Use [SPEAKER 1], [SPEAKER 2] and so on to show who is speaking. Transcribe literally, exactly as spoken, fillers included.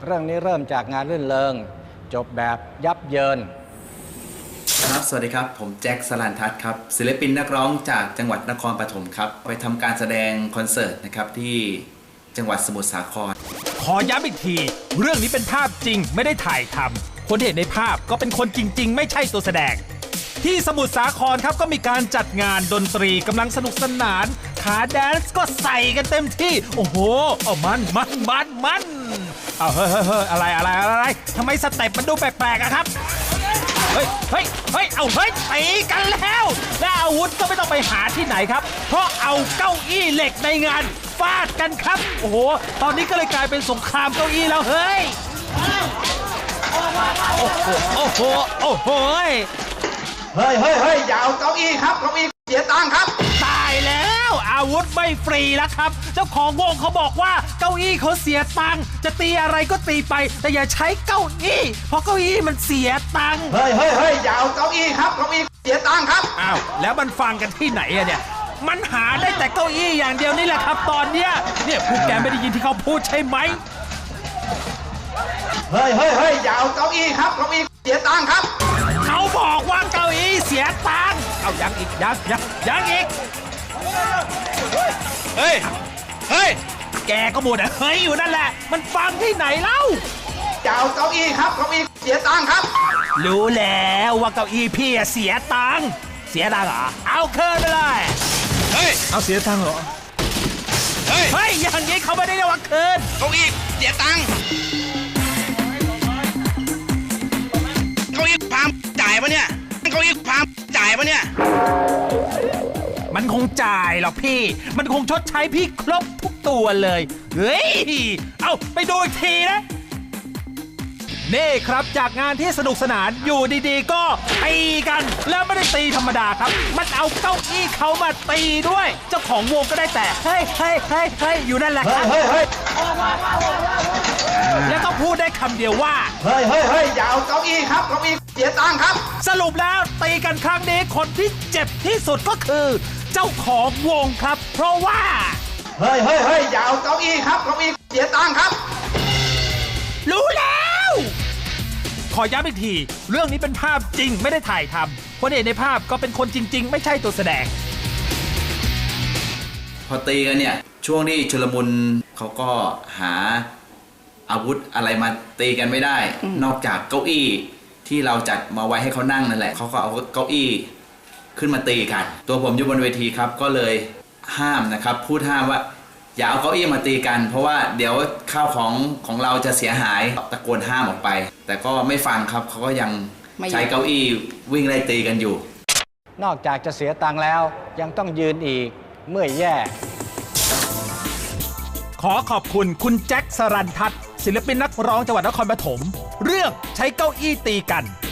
[SPEAKER 1] เรื่องนี้เริ่มจากงานรื่นเริงจบแบบยับเยิน
[SPEAKER 2] ครับสวัสดีครับผมแจ็คสลันทัศน์ครับศิลปินนักร้องจากจังหวัดนครปฐมครับไปทำการแสดงคอนเสิร์ตนะครับที่จังหวัดสมุทรสาคร
[SPEAKER 3] ขอย้ำอีกทีเรื่องนี้เป็นภาพจริงไม่ได้ถ่ายทำคนที่เห็นในภาพก็เป็นคนจริงๆไม่ใช่ตัวแสดงที่สมุทรสาครครับก็มีการจัดงานดนตรีกำลังสนุกสนานขาแดนซ์ก็ใส่กันเต็มที่โอ้โหเอามันมันมันมันเอาเฮ้ยเฮ้ยเฮ้ยอะไรอะไรอะไรทำไมสเต็ปมันดูแปลกๆอะครับเฮ้ยเฮ้ยเฮ้ยเอาเฮ้ยตีกันแล้วและอาวุธก็ไม่ต้องไปหาที่ไหนครับเพราะเอาเก้าอี้เหล็กในงานฟาดกันครับโอ้โหตอนนี้ก็เลยกลายเป็นสงครามเก้าอี้แล้วเฮ้ยโอ้โหโอ้โหโอ้โห
[SPEAKER 4] เฮ้ยเฮ้ยเฮ้ยอย่าเอาเก้าอี้ครับเก้าอี้เสียตังค์ครับ
[SPEAKER 3] ตายแล้วอาวุธไม่ฟรีแล้วครับเจ้าของวงเขาบอกว่าเก้าอี้เขาเสียตังค์จะตีอะไรก็ตีไปแต่อย่าใช้เก้าอี้เพราะเก้าอี้มันเสียตังค์
[SPEAKER 4] เฮ้ยเฮ้ยเฮ้ยอย่าเอาเก้าอี้ครับเก้าอี้เสียตังค์ครับ
[SPEAKER 3] อ้าวแล้วมันฟังกันที่ไหนอะเนี่ยมันหาได้แต่เก้าอี้อย่างเดียวนี่แหละครับตอนเนี้ยเนี่ยพวกแกไม่ได้ยินที่เขาพูดใช่ไหม
[SPEAKER 4] เฮ้ยเฮ้ยเฮ้ยอย่าเอาเก้าอี้ครับเก้าอี้เสียตังค์ครับ
[SPEAKER 3] เขาบอกว่าเก้าอี้เสียตังค์เอายังอีกยังยังยังอีกเฮ้ยเฮ้ยแกก็หมดอะเฮ้ยอยู่นั่นแหละมันฟังที่ไหนเล่า
[SPEAKER 4] อย่าเอาเก้าอี้ครับเก้าอี้เสียตังค์ครับ
[SPEAKER 3] รู้แล้วว่าเก้าอี้พี่เสียตังค์เสียตังค์เหรอเอาคืนไปเลย
[SPEAKER 5] เฮ้ย
[SPEAKER 3] เอาเสียตังค์เหรอเฮ้ยเฮ้ยอย่างนี้เขาไม่ได้เรียกว่าคืน
[SPEAKER 5] เก้าอี้เสียตังค์เก้าอี้พามจ่ายปะเนี่ยเก้าอี้พามจ่ายปะเนี่ย
[SPEAKER 3] มันคงจ่ายหรอกพี่มันคงชดใช้พี่ครบทุกตัวเลยเฮ้ยเอาไปดูอีกทีนะนี่ครับจากงานที่สนุกสนานอยู่ดีๆก็ตีกันแล้วไม่ได้ตีธรรมดาครับมันเอาเก้าอี้เขามาตีด้วยเจ้าของวงก็ได้แต่เฮ้ยเฮ้ยเฮ้ยเฮ้ยอยู่นั่นแหละครับ
[SPEAKER 4] เฮ้ยเฮ้ย
[SPEAKER 3] แล้วก็พูดได้คำเดียวว่า
[SPEAKER 4] เฮ้ยเฮ้ยเฮ้ยอย่าเอาเก้าอี้ครับเก้าอี้เสียตังค์ครับ
[SPEAKER 3] สรุปแล้วตีกันครั้งนี้คนที่เจ็บที่สุดก็คือเจ้าของวงครับเพราะว่า
[SPEAKER 4] เฮ้ยเฮ้ยเฮ้ยอย่าเอาเก้าอี้ครับเก้าอี้เสียตังค์ครับ
[SPEAKER 3] รู้แล้วขอย้ำอีกทีเรื่องนี้เป็นภาพจริงไม่ได้ถ่ายทำคนเห็นในภาพก็เป็นคนจริงๆไม่ใช่ตัวแสดง
[SPEAKER 2] พอตีกันเนี่ยช่วงที่ชุลมุนเขาก็หาอาวุธอะไรมาตีกันไม่ได้นอกจากเก้าอี้ที่เราจัดมาไว้ให้เขานั่งนั่นแหละเขาก็เอาเก้าอี้ขึ้นมาตีกันตัวผมอยู่บนเวทีครับก็เลยห้ามนะครับพูดห้ามว่าอย่าเอาเก้าอี้มาตีกันเพราะว่าเดี๋ยวข้าวของของเราจะเสียหายตะโกนห้ามออกไปแต่ก็ไม่ฟังครับเขาก็ยังใช้เก้าอี้วิ่งไล่ตีกันอยู่
[SPEAKER 1] นอกจากจะเสียตังค์แล้วยังต้องยืนอีกเมื่อยแย่
[SPEAKER 3] ขอขอบคุณคุณแจ็คสรันทัศน์ศิลปินนักร้องจังหวัดนครปฐมเรื่องใช้เก้าอี้ตีกัน